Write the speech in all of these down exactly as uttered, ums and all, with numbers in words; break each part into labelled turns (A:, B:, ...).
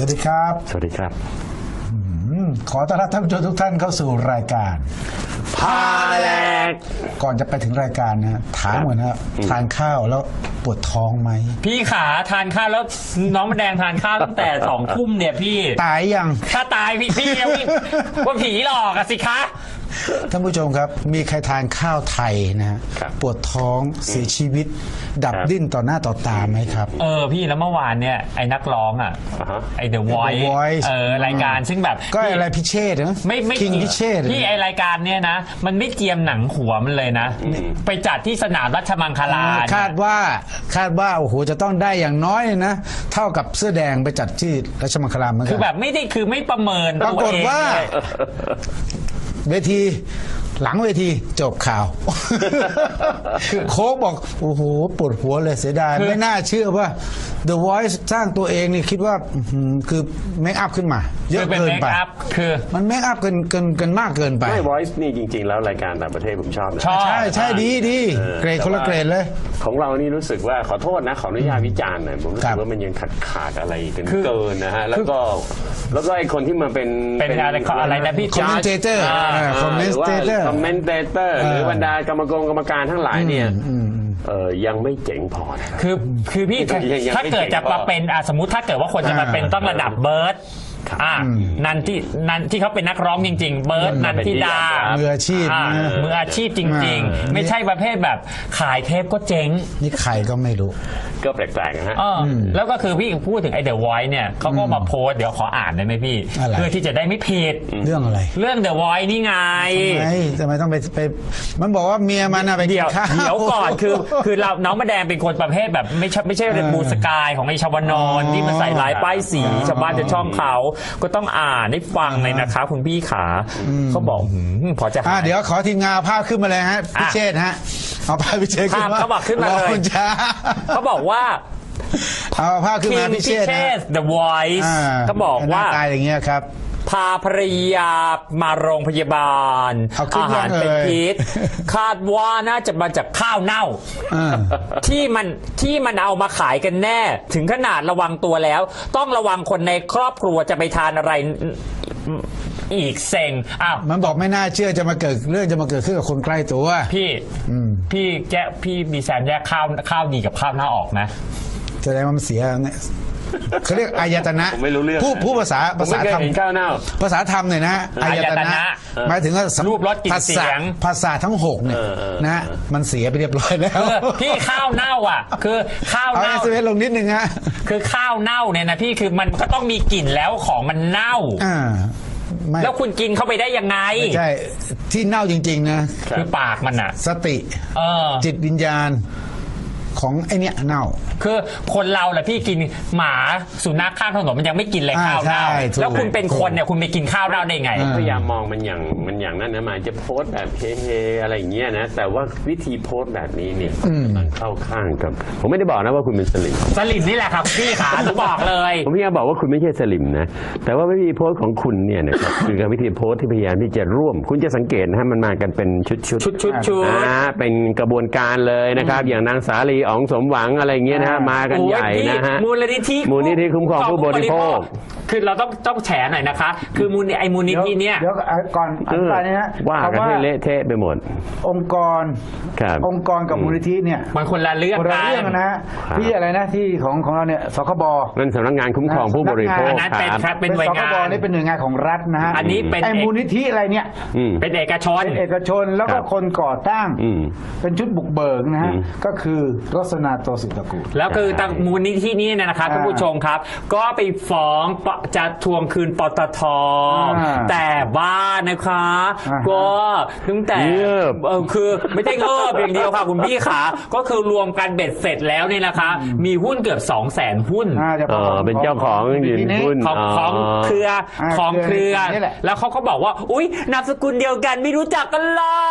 A: วัสดีครับ
B: สวัสดีครับ
A: ขอต้อนรับท่านผู้ชมทุกท่านเข้าสู่รายการ
B: พาแลก
A: ก่อนจะไปถึงรายการนะถามก่อนนะทานข้าวแล้วปวดท้องไหม
C: พี่ขาทานข้าวแล้วน้องมะแดงทานข้าวตั้งแต่สองทุ่มเนี่ยพี่
A: ตายยัง
C: ถ้าตายพี่พี่ว่าผีหลอกอะสิคะ
A: ท่านผู้ชมครับมีใครทานข้าวไทยนะฮะปวดท้องเสียชีวิตดับดิ้นต่อหน้าต่อตาไหมครับ
C: เออพี่แล้วเมื่อวานเนี่ยไอ้นักร้องอ่ะไอ้ The Voice เออรายการซึ่งแบบ
A: ก็อะไรพิเชษนะ
C: ไม่ไม่
A: คิงพิเชษ
C: พี่ไอรายการเนี่ยนะมันไม่เจียมหนังหัวมันเลยนะไปจัดที่สนามราชมังคลา
A: คาดว่าคาดว่าโอ้โหจะต้องได้อย่างน้อยนะเท่ากับเสื้อแดงไปจัดที่ราชมังคลาเหมือนกัน
C: คือแบบไม่ได้คือไม่ประเมิน
A: ปรากฏว่าเวทีหลังเวทีจบข่าวโค้กบอกโอ้โหปวดหัวเลยเสียดายไม่น่าเชื่อว่า The Voice สร้างตัวเองนี่คิดว่าคือเมคอัพขึ้นมาเยอะเกินไป
C: คือ
A: มันเมคอัพเกินเกินเกินมากเกินไป
B: ไม่ Voice นี่จริงๆแล้วรายการต่างประเทศผมชอบนะ
A: ใช่ใช่ดีดีเกรดคนละเกรดเลย
B: ของเรานี่รู้สึกว่าขอโทษนะขออนุญาตวิจารณ์หน่อยผมรู้สึกว่ามันยังขาดขาดอะไรกันเกินนะฮะแล้วก็แล้วก็ไอคนที่มาเป็น
C: เป็นอะไรอะไรนะพี่
A: คอมเมนเตเตอร์คอมเมนเตเตอร์
B: คอมเมนเตเตอร์หรือบรรดากรรมกรกรรมการทั้งหลายเนี่ยเออยังไม่เจ๋งพอ
C: คือคือพี่ถ้าเกิดจะมาเป็นสมมุติถ้าเกิดว่าคนจะมาเป็นต้องระดับเบิร์ดอ่านันที่นันที่เขาเป็นนักร้องจริงๆเบิร์ดนันทิดา
A: มืออาชีพ
C: มืออาชีพจริงๆไม่ใช่ประเภทแบบขายเทปก็เจ๊ง
A: นี่ใครก็ไม่รู้
B: ก็แปลกๆนะฮะ
C: แล้วก็คือพี่พูดถึงไอเดอะไวท์เนี่ยเขาก็มาโพสเดี๋ยวขออ่านได้ไหมพี่เพื่อที่จะได้ไม่ผิด
A: เรื่องอะไร
C: เรื่องเดอะไวท์นี่ไง
A: ทำไมต้องไปไปมันบอกว่าเมียมันไป
C: เดี๋ยวเดี๋ยวก่อนคือคือเราน้องมะแดงเป็นคนประเภทแบบไม่ใช่ไม่ใช่บูสกายของไอชาวนอนที่มาใส่ลายป้ายสีชาวบ้านจะช่องเขาก็ต้องอ่านให้ฟังเลยนะคะคุณพี่ขาเขาบอกพอจะ
A: เดี๋ยวขอทีมงานภาพขึ้นมาเลยฮะพิเชษฮะเอาภาพพิเชษขึ้นมา
C: เขาบอกขึ้นมาเลยเขาบอกว่า
A: เอาภาพขึ้นมาพิเชษ
C: The Voice ก็บอกว่า
A: ตายอย่างเงี้ยครับ
C: พาภรรยามาโรงพยาบาลอาหารเป็นพิษคาดว่าน่าจะมาจากข้าวเน่าที่มันที่มันเอามาขายกันแน่ถึงขนาดระวังตัวแล้วต้องระวังคนในครอบครัวจะไปทานอะไรอีกเซ็งอ้าว
A: มันบอกไม่น่าเชื่อจะมาเกิดเรื่องจะมาเกิดขึ้นกับคนใกล้ตัว
C: พี่พี่แกพี่มีแซมแยกข้าวข้าวดีกับข้าวหน้าออกนะ
A: แสดงว่ามันเสียเนี่ยเขาเรียกอายตนะผู้ผู้ภาษาภาษาธรรมภาษาธรรมเนี่ยนะ
C: อายตนะ
A: หมายถึงว่า
C: รูปรสกลิ่นเสียง
A: ภาษาทั้งหกเนี่ยนะมันเสียไปเรียบร้อยแล้ว
C: พี่ข้าวเน่าอ่ะคือข้าวเน่า
A: เอาเอสเอสลงนิดนึงฮะ
C: คือข้าวเน่าเนี่ยนะพี่คือมันก็ต้องมีกลิ่นแล้วของมันเน่าแล้วคุณกินเข้าไปได้ยังไง
A: ใช่ที่เน่าจริงๆนะ
C: คือปากมันอ่ะ
A: สติจิตวิญญาณของไอเนี้ยเน่า
C: คือคนเราแหละพี่กินหมาสุนัขข้างถนนมันยังไม่กินเลยข้าวเน่าแล้วคุณเป็นคนเนี่ยคุณไปกินข้าวเน่าได้ไง
B: พยายามมองมันอย่างมันอย่างนั้นนะมันจะโพสแบบเฮๆอะไรอย่างเงี้ยนะแต่ว่าวิธีโพสแบบนี้เนี่ยมันเข้าข้างกับผมไม่ได้บอกนะว่าคุณเป็นสลิม
C: สลิมนี่แหละครับพี่ขาผมบอกเลย
B: ผมพยายามบอกว่าคุณไม่ใช่สลิมนะแต่ว่าวิธีโพสของคุณเนี่ยนะครับคือการวิธีโพสที่พยายามที่จะร่วมคุณจะสังเกตนะฮะมันมากันเป็นชุดชุด
C: ชุดชุดชุด
B: เป็นกระบวนการเลยนะครับอย่างนางสาลีอ๋องสมหวังอะไรเงี้ยนะฮะมากันใหญ่นะฮะ
C: มูลนิธิ
B: มูลนิธิคุ้มครองผู้บริโภค
C: คือเราต้องต้องแฉหน่อยนะคะคือมูลไอมูลนิธิเนี่ย
A: เดี๋ยวก่อนอธิบายนะฮะ
B: ว่ากันให้เละเทะไปหมด
A: องค์กรองค์กรกับมูลนิธิเนี่ย
C: มันคนละเรื่อง
A: กันนะฮะที่อะไรนะที่ของของเราเนี่ยสคบ
B: นั่นสำนักงานคุ้มครองผู้บริโภค
C: นั้นเป็นเป็นหน่วยงาน
A: สคบนี่เป็นหน่วยงานของรัฐนะฮะ
C: อันนี้เป็น
A: ไอมูลนิธิอะไรเนี่ย
C: เป็นเอกชน
A: เอกชนแล้วก็คนก่อตั้งเป็นชุดบุกเบิกนะฮะก็คือรสนาโตสิตกูล
C: แล้วคือตั้งมูลนิธินี้นะครับท่านผู้ชมครับก็ไปฟ้องจะทวงคืนปตท.แต่ว่านะคะก็ตั้งแต่คือไม่ได้เงิบอย่างเดียวค่ะคุณพี่ขาก็คือรวมกันเบ็ดเสร็จแล้วเนี่ยนะคะมีหุ้นเกือบสองแสนหุ้น
B: เป็นเจ้าของยืนหุ้น
C: ของของเครือของเครือแล้วเขาก็บอกว่าอุ๊ยนามสกุลเดียวกันไม่รู้จักกันเลย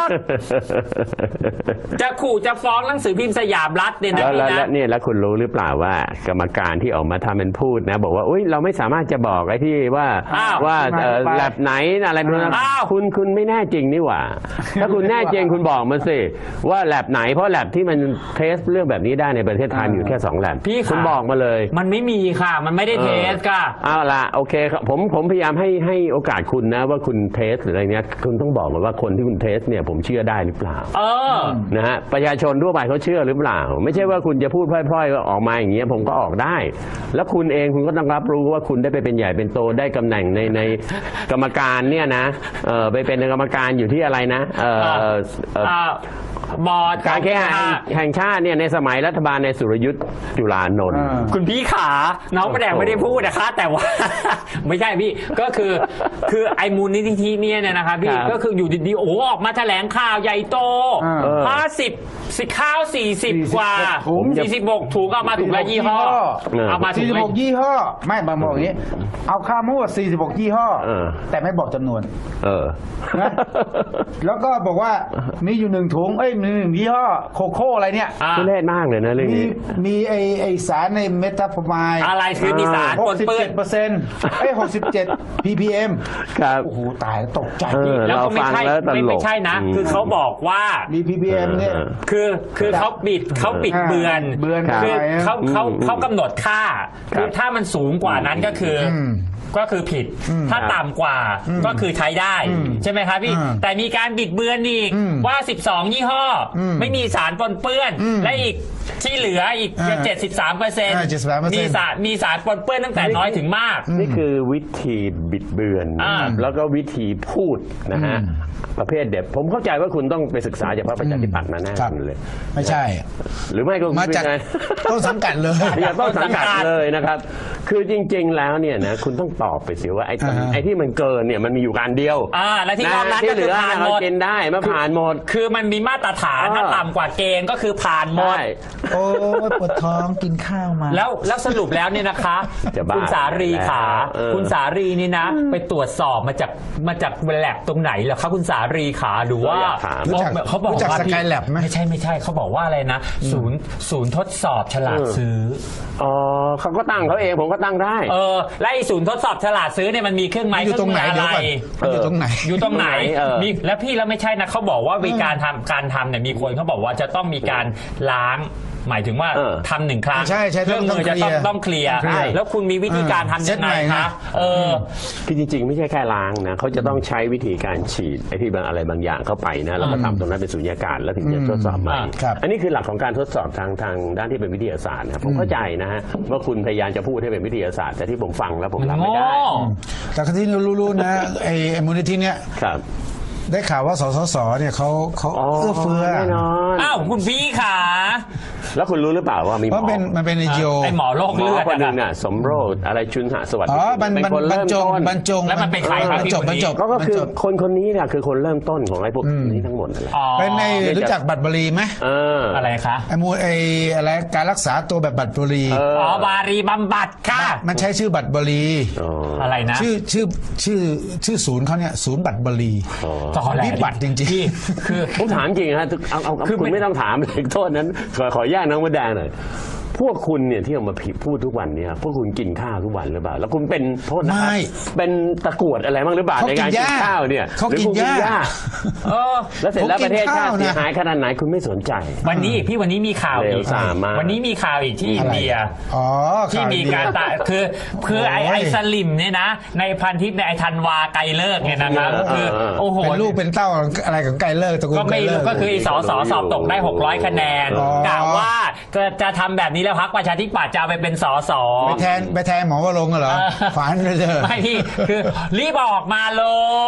C: จะขู่จะฟ้องหนังสือพิมพ์สยามรัฐเนี่ยนะ
B: แล้ว
C: พี่
B: แล้ว
C: นะ
B: เนี่ยแล้วคุณรู้หรือเปล่าว่ากรรมการที่ออกมาทำเป็นพูดนะ บอกว่าอุ้ยเราไม่สามารถจะบอกไอ้ที่ว่า
C: อ้าว
B: ว่าเอ่อแลบไหนอะไรพวกนั้น
C: อ้าว
B: คุณคุณไม่แน่จริงนี่หว่า ถ้าคุณแน่จริงคุณบอกมาสิว่าแลบไหนเพราะแลบที่มันเทสเรื่องแบบนี้ได้ในประเทศไทยมีอยู่แค่สองแลบ
C: พี่
B: คุณ
C: ค่ะ
B: บอกมาเลย
C: มันไม่มีค่ะ มันไม่ได้เทสค่ะ
B: เอาละโอเคครับผมผมพยายามให้ให้โอกาสคุณนะว่าคุณเทสหรืออะไรเนี้ยคุณต้องบอกมาว่าคนที่คุณเทสเนี่ยผมเชื่อได้หรือเปล่า
C: เออ
B: นะฮะประชาชนทั่วไปเขาเชื่อหรือเปล่า ไม่ใช่ว่าคุณจะพูดพล่อยๆก็ออกมาอย่างเงี้ยผมก็ออกได้ แล้วคุณเองคุณก็ต้องรับรู้ว่าคุณได้ไปเป็นใหญ่เป็นโตได้ตำแหน่งในในกรรมการเนี่ยนะเออไปเป็นกรรมการอยู่ที่อะไรนะเออเอ่อ
C: อ่าบอร์ด
B: การแข่งขันแห่งชาติเนี่ยในสมัยรัฐบาลในสุรยุทธ์จุลานนท์
C: คุณพี่ขา น้องประแดงไม่ได้พูดนะคะ แต่ว่า ไม่ใช่พี่ ก็คือ คือไอ้มูลนิธิเนี่ยเนี่ยนะครับพี่
B: ครับ
C: ก็คืออยู่ดีๆ โอ้ออกมาแถลงข่าวใหญ่โต
A: เออ
C: ห้าสิบสิข้าวสี่สิบกว่า
A: ถุง
C: สี่สิบหกถุงเอามาถุงละยี่ห้อ
B: เออ
C: เอามาถุง
A: สี่สิบ
C: ละ
A: หกยี่ห้อ ไม่บางบอกอย่างนี้ เอาข้าวมั่วสี่สิบหกยี่ห้อ
B: เออ
A: แต่ไม่บอกจำนวน
B: เออ
A: นะ แล้วก็บอกว่ามีอยู่หนึ่งถุง เอ้ยมีหนึ่งยี่ห้อโคโค่อะไรเนี่ย
C: อ่า
B: ทุเรศมากเลยนะเรื่อง
A: มี
B: นี้
A: มีไอไอสารในเมตาฟอร์มาย
C: อะไรคือมีสาร
A: ห
C: ป
A: ก
C: น
A: สิบ
C: เปื้อ
A: เจ็
C: น
A: ดเปอร์เซ็นต์เอ้ยหกสิบเจ็ด พี พี เอ็ม
B: ครับ
A: โอ้โห ตายแล้วตกใจ
B: เออ
C: แล้วก็ไม่ใช่
B: เราฟังแล้วตลก
C: ไม่ไม่ใช่นะ
B: อืม
C: คือเขาบอกว่า
A: มี พี พี เอ็ม เนี่ย
C: คือคือเขาบิดเขาบิดเบือน
A: เบือน
C: คือ
A: อะไรอะ
C: เขาเขา
B: อืม
C: เขากำหนดค่า
B: ครับ
C: คือถ้ามันสูงกว่านั้นก็คืออ
A: ม
C: ก็คือผิด ถ้าต่ำกว่าก็คือใช้ได้ ใช่ไหมครับพี่
A: อืม
C: แต่มีการบิดเบือนอีก
A: อืม
C: ว่า สิบสอง ยี่ห้ออ
A: ม
C: ไม่มีสารปนเปื้อน
A: อืม
C: และอีกที่เหลืออีก
A: อ่า
C: เจ็ดสิบสามเปอร์เซ็นต์
A: อ่าเจ็ดสิบสามเปอร์เซ็นต์
C: มีสารมีสารปนเปื้อนตั้งแต่น้อยถึงมาก
B: นี่คือวิธีบิดเบือน
C: อ่า
B: แล้วก็วิธีพูดนะฮะประเภทเด็ดผมเข้าใจว่าคุณต้องไปศึกษาจากพรรคประชาธิปัตย์มาแน่
A: ครับ
B: เลย
A: ไม่ใช่
B: หรือไม่ก็
A: มาจาก
B: ไใช่
A: ต้นสังกัดเลย
B: อย่าต้องสังกัดเลยนะครับ คือจริง ๆ แล้วเนี่ยนะคุณต้องตอบไปสิว่าไอ้ตรง
A: อ่าฮะ
B: ไอ้ที่มันเกินเนี่ยมันมีอยู่การเดียว
C: อ่าและที่นอกนั้น
B: ที่
C: ก็
B: เห
C: คื
B: ลื
C: อ
B: อ
C: ผ่าน
B: เนี่ย
C: หม
B: เรา
C: ด
B: กินได้มาผ่านหมด
C: คือมันมีมาตรฐาน
B: เออ
C: ถ้าต่ำกว่าเกณฑ์ก็คือผ่านหมด
B: ใช่
A: โอ้ยปวดท้องกินข้าวมา
C: แล้วแล้วสรุปแล้วเนี่ยนะคะ
B: จะบ้า
C: คุณสารีขา
B: เออ
C: คุณสารีนี่นะ ไปตรวจสอบมาจากมาจากแลบตรงไหนเหรอคะคุณสารีขาหรือว่า
B: เราอยากถาม
A: รู้จัก
C: เขาบอก
A: รู้จัก
C: ว่า
A: สกายแลบไหม
C: ไม่ใช่ไม่ใช่เขาบอกว่าอะไรนะ ศูนย์ศูนย์ทดสอบฉลาดซื้อ
B: อ๋อเขาก็ตั้งเขาเองผมก็ตั้งได้
C: เออและไอ้ศูนย์ทดสอบฉลาดซื้อเนี่ยมันมีเครื่องไม้
A: อยู่ตรงไหน
C: เค
A: เดี๋
C: รื่
A: ยว
C: มือ
A: ก่อน
C: อะไร
A: มันอยู่ตรงไหน
C: อยู่ตรงไหน
B: เออ
C: มีแล้วพี่แล้วไม่ใช่นะเขาบอกว่ามีการทำการทำเนี่ยมีคนเขาบอกว่าจะต้องมีการล้าง หมายถึงว่า
B: เออ
C: ทำหนึ่งครั้ง
A: ใช่ใช่
C: เครื่องมือจะต้องต้องเคลียร์
A: ต้องเคลียร์
C: แล้วคุณมีวิธีการทำยังไง
A: เซ็ตใหม่
C: คะ
A: นะ
C: เออ
B: คือจริงๆ ไม่ใช่แค่ล้างนะเขาจะต้องใช้วิธีการฉีดไอ้ที่บางอะไรบางอย่างเข้าไปนะแล้วก็ทำตรงนั้นเป็นสุญญากาศแล้วถึงจะทดสอบใหม่
C: อ่า
A: ครับ
B: อันนี้คือหลักของการทดสอบทางทางด้านที่เป็นวิทยาศาสตร์นะผมเข้าใจนะฮะว่าคุณพยายามจะพูดให้เป็นวิทยาศาสตร์แต่ที่ผมฟังแล้วผมรับไม่ได้
C: โง่
A: แต่ที่รู้ๆนะไอ้ไอ้มูลนิธิเนี้ย
B: ครับ
A: ได้ข่าวว่าสสสเนี่ยเขาเขา
B: อ๋อ
A: เอื้อเฟื้อ
B: แน่นอน
C: อ้าวคุณพี่ขา
B: แล้วคุณรู้หรือเปล่าว่ามีห
A: เพ
B: มอ
A: ราะเป็นมันเป็นไอจีโอ
C: ไอหมอโรค
B: หม
C: เลื
B: อ
C: อด
B: คนหนึ่ง
C: อะ
B: น่ะสมโรสอะไรชุนหสวัสดิ์
A: อ๋อบรร
B: เป็น
A: บรร
B: คน
A: บร
B: เริ่
A: ร
B: ม
A: จง
B: ต้น
A: บรรจง
C: แล้วมันเป็นใครครับ
A: บรรจบ
C: พี่
A: บรรจบ
B: ก็ก็คือบ
A: รรจบ
B: คนคนนี้เนี่ยคือคนเริ่มต้นของไอ้พวกนี้ทั้งหมดนั่นแหละ
C: อ๋อ
A: เป็นในรู้จักบัตรบรีไหม
B: เออ
C: อะไรคะ
A: ไอ้มูไอ้อะไรการรักษาตัวแบบบัตรบรี
B: เออ
C: อ๋อบารีบำบัดค่ะ
A: มันใช้ชื่อบัตรบรี
B: อ๋อ
C: อะไรนะ
A: ชื่อชื่อชื่อชื่อศูนย์เขาเนี่ยศูนย์บัตรบรี
B: อ๋อ
C: ตอแหล
A: วิบัติจริงๆ
C: พี่คือ
B: ผมถามจริงฮะเอาเอาเอา
C: คือ
B: คุณ
C: ไม่
B: ไม่ต้องถามเลยโทษนั้น ขอขอแยกน้องมดแดงหน่อยพวกคุณเนี่ยที่เอามาพูดทุกวันเนี่ยพวกคุณกินข้าวทุกวันหรือเปล่าแล้วคุณเป็นโทษนะครับ
A: ไม่
B: เป็นตะกรวดอะไรบ้างหรือเปล่า
A: เขา
B: ใน
A: กิน
B: การกิน
A: หญ้า
B: ข้าวเนี่ย
A: เขา
B: หรือ
A: กิน
B: คุณ
A: หญ้า
C: เออ
B: แล้วเสร็จแล้ว
A: เขากิน
B: ประเทศชาติ
A: ข้าวนะ
B: เสียหายขนาดไหนคุณไม่สนใจ
C: วันนี้อีกพี่วันนี้มีข่าวอี
B: เร็
C: ก
B: วสามมาก
C: วันนี้มีข่าวอีกที่อินเดีย
A: อ๋อ
C: ที่
A: ข่ว
C: มี
A: ดี
C: การตะคือคือไอ
A: โอ้ย
C: ไอสลิมเนี่ยนะ ในพันทิปในไอธันวาไกลเลิกเนี่ยนะครับ
B: เออ
C: คือ
B: เออ
C: โอ้โห
A: เป็นลูกเป็นเต้าอะไรของไกลเลิกตระกูล
C: ก็ไม่
A: ไกลเลิ
C: รู้
A: ก
C: ก็คือไอสอสอสอบตกได้หกร้อยคะแนน
A: อ๋อก
C: ะว่าจะจะทำแบบนี้แล้วพรรคประชาธิปัตย์จะเอาไปเป็นสอสอ
A: ไปแทนไปแทนหมอวรงค์เหรอ
C: เออ
A: ฝันเลยเถอะ
C: ไม่พี่คือรีบออกมาเลย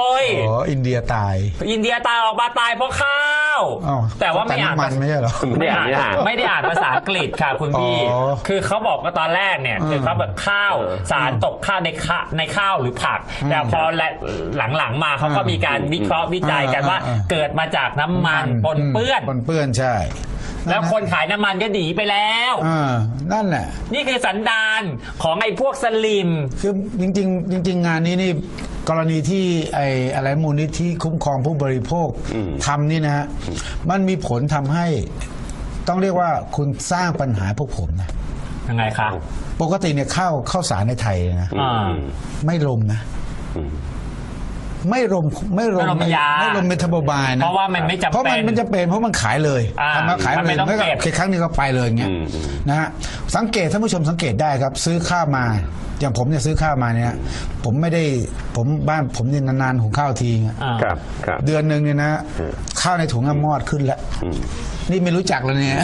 A: โอ้อินเดียตาย
C: อินเดียตายออกมาตายเพราะข้าว
A: อ้าว
C: แต่ว่าไม่อ่าน
A: น้ำมันไม่ใช่เหรอ
B: ไม่ได้อ่านไม่ได้อ่าน
C: ไม่ได้อ่านภาษาอังกฤษค่ะคุณพี่
A: อ๋อ
C: คือเขาบอกว่าตอนแรกเนี่ยคือเขาแบบข้าว
B: เออ
C: สารตกข้าวในข้าในข้าวหรือผัก แต่พอและหลังๆมาเขาก็มีการวิเคราะห์วิจัยกันว่า
A: อ่าอ่าอ่า
C: เกิดมาจากน้ำมันปนเปื้อน
A: ปนเปื้อนใช่
C: แล้วคนขายน้ำมันก็หนีไปแล้ว
A: อ่านั่นแหละ
C: นี่คือสันดานของไอ้พวกสลิม
A: คือจริงๆจริง ๆ งานนี้นี่กรณีที่ไอ้อะไรมูลนิธิคุ้มครองผู้บริโภคทำนี่นะฮะมันมีผลทำให้ต้องเรียกว่าคุณสร้างปัญหาพวกผมนะ
C: ยังไงคะ
A: ปกติเนี่ยข้าวข้าวสารในไทยนะ
C: อ่า
A: ไม่ลมนะไม่ลมไม่ล
C: ไม่
A: ม
C: ลมยา
A: ไม่ลมเมทาบอลายนะ
C: เพราะว่ามันไม่จำเป็น
A: เพราะมันมันจะเป็นเพราะมันขายเลย
C: อ่า
A: ทำมาขาย
C: มัน
A: เล
C: ไม่
A: ย
C: ต้อง
A: ไม่ก็
C: เก็บ
A: แค่ครั้งนี้ก็ไปเลยอย่างเงี้ยนะฮะสังเกตท่านผู้ชมสังเกตได้ครับ ซื้อข้าวมาอย่างผมเนี่ยซื้อข้าวมาเนี่ยผมไม่ได้ผมบ้านผมเนี่ยนานๆหุงข้าวทีไง
C: อ่า
B: ครับครับ
A: เดือนหนึ่งเนี่ยนะข้าวในถุงอะมอดขึ้นแล้วนี่ไม่รู้จักแล้วเนี่ย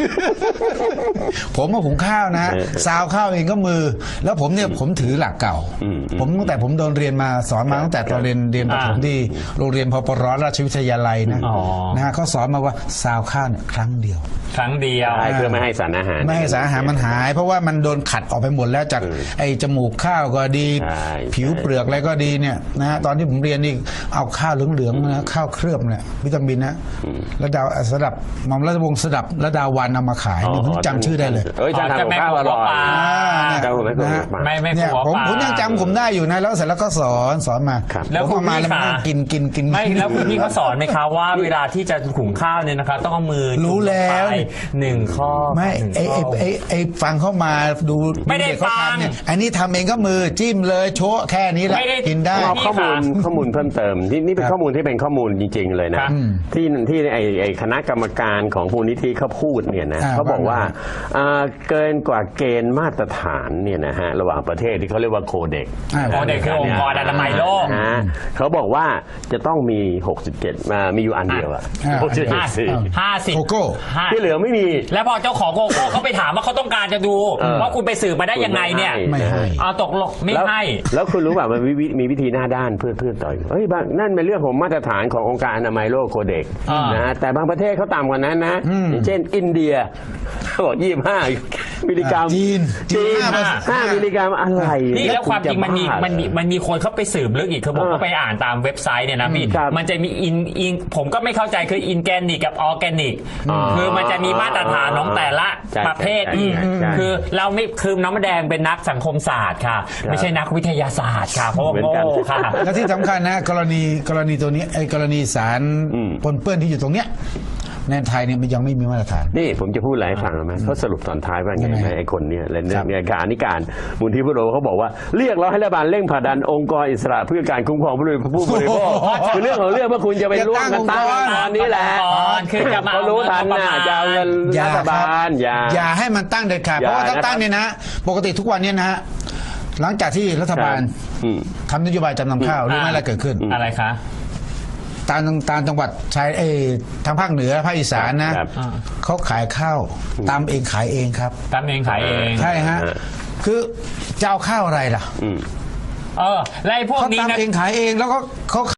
A: ผมมาหุงข้าวนะซาวข้าวเองก็มือ แล้วผมเนี่ยผมถือหลักเก่า ผมตั้งแต่ผมโดนเรียนมาสอนมาตั้งแต่ตอนเรียนเรียนประถมที่โรงเรียนพปรราชวิทยาลัยนะ
C: อ๋อ
A: นะฮะเขาสอนมาว่าซาวข้าวเนี่ยครั้งเดียว
C: ครั้งเดียว
B: ใช่เพื่อไม่ให้สารอาหาร
A: ไม่ให้สารอาหารมันหาย เพราะว่ามันโดนขัดออกไปหมดแล้วจากไอ้จมูกข้าวก็ดี
B: ใช่
A: ผิวเปลือกอะไรก็ดีเนี่ยนะฮะตอนที่ผมเรียนนี่เอาข้าวเหลืองๆนะข้าวเคลือบเนี่ยวิตามินนะระดาสดับหม่อมราชวงศ์สดับระดาวันเอามาขายนี่ผมจำชื่อได้เลย
B: เอ้ยจะทำกับข้าวอร่อย
C: อ่า
B: เจ้าไม่เคย
A: นะฮะ
B: มา
C: ไม่ไม่
A: เนี่ย
C: กลัว
A: ผม
C: ปลา
A: ผมยังจำผมได้อยู่นะแล้วเสร็จแล้วก็สอนสอนมา
B: ครับ
C: แล้ว
A: ผม
C: คุณ
A: เอามา
C: พี่
A: แล้วมานั่ง
C: ขา
A: กินกินกิน
C: ไม่แล้วคุณพี่เขาสอนไหมคะว่าเวลาที่จะหุงข้าวเนี่ยนะคะ ต้องเอามือ
A: รู้แล้ว
C: จุ่มงไปหนึ่งข้อ
A: ไม่
C: หนึ่ง
A: ไอ้ไอ้
C: ข้อ
A: ไอ้ไอ้ฟังเข้ามาดู
C: ไม่ได้
A: เกเขา
C: ฟัง
A: ทำเนี่ยอันนี้ทำเองก็มือจิ้มเลยโชะแค่นี้แหละ
C: ไม่ได้
A: กินได้
B: เอาข้อมูล
C: พี่คะ
B: ข้อมูลเพิ่มเติมนี่นี่เป็น
A: ครับ
B: ข้อมูลที่เป็นข้อมูลจริง ๆ เลยนะครับ ที่ที่ไอไอคณะกรรมการของมูลนิธิเขาพูดเนี่ยนะ
A: อ่า
B: เขาบอกว่า
A: ว่า
B: อ่าเกินกว่าเกณฑ์มาตรฐานเนี่ยนะฮะระหว่างประเทศที่เขาเรียกว่าโคเด็ก
A: อ่า
C: โคเด็กคือองค์กรอนามัยโลก
B: ฮะเขาบอกว่าจะต้องมี หกสิบเจ็ดมามีอยู่อันเดียวอะ
A: อ่า
B: หกสิบเจ็ด
C: ห้า
B: สี
C: ห้าสิบ
A: โกโก้
C: ห้า
B: ที่เหลือไม่มี
C: แล้วพอเจ้าของโกโก้เขาไปถามว่าเขาต้องการจะดู
B: เออ
C: ว่าคุณไปสืบมาได้ยังไงเนี่ย
A: ไม่ให้
C: เอาตกลงไม่
B: แล้ว
C: ให้
B: แล้วคุณรู้ป่ะมันมีวิมีวิธีหน้าด้านเพื่อเพื่อต่อยเฮ้ยบางนั่นเป็นเรื่องของมาตรฐานขององค์การอนามัยโลกโคเด็ก
C: อ่าน
B: นะแต่บางประเทศเขาต่ำกว่านั้นนะอย่างเช่น อินเดียเขาบอกยี่สิบห้ามิลลิกรัม
A: จีนจี
B: จี
A: น
B: น
A: ห้า
B: ห้ามิลลิกรัมอะไร
C: นี่แล้วความจริงมันมี
B: จะบ้า
C: มันมีมันมีคนเข้าไปสืบลึกอีกคือผม
B: เออ
C: ก็ไปอ่านตามเว็บไซต์เนี่ยนะพี่
B: ครับ
C: มันจะมีอินอินผมก็ไม่เข้าใจคืออินแกนิกกับออร์แกนิก
B: อ๋อ
C: คือมันจะมีมาตรฐานของแต่ละ
B: ใช่
C: ประเภท
B: ใช่
C: อีก
B: ใช่ใช่
C: คือเราไม่คือน้องมะแดงเป็นนักสังคมศาสตร์ค่ะ ไม่ใช่นักวิทยาศาสตร์ค่ะเพราะว่า
B: เหมือน
C: โง่
B: กัน
C: ค่ะ
A: และที่สำคัญนะกรณีกรณีตัวนี้ไอ้กรณีสาร
B: อืม
A: ปนเปื้อนที่อยู่ตรงเนี้ยในไทยเนี่ยมันยังไม่มีมาตรฐาน
B: นี่ผมจะพูดอะไรให้ฟังไหมเขาสรุปตอนท้ายว่าไง
A: ยังไง
B: ไหมไอ้คนเนี่ยและ
A: ค
B: เรื่
A: รั
B: อบ งเนี่ยการนิการมูลที่พุทโธเขาบอกว่าเรียกร้องให้รัฐบาลเร่งผลักดันองค์กรอิสระเพื่อการคุ้มครองผู้บริผู้บริโภคคือเรื่องของเรื่องว่าคุณจะไปร่วมกันตั้งองค์กรนี้แหละ
C: คือจะมา
B: เขารู้ทันนะจะเอาเงิน
A: อย่า
B: รัฐบาลอย่า
A: อย่าให้มันตั้งเด็ดขาด
B: อย่า
A: เพราะว่าถ้า
B: นะครับ
A: ตั้งเนี่ยนะปกติทุกวันเนี่ยนะฮะหลังจากที่รัฐบาล
B: อืม
A: ทำนโยบายจำนำข้าวรู้ไหมอะไรเกิดขึ้น
C: อะไรคะ
A: ตามตามจังหวัดชายเอยทางภาคเหนือภาคอีสานนะครับ เขาขายข้าวตามเองขายเองครับ
C: ตามเองขายเอง
A: ใช่ฮะ
B: อ่า
A: คือจะเอาข้าวอะไรล่ะ
B: อืม
C: เออแล้วไอ้พวก
A: เขา
C: นี้
A: ตาม
C: นะ
A: เองขายเองแล้วก็เขา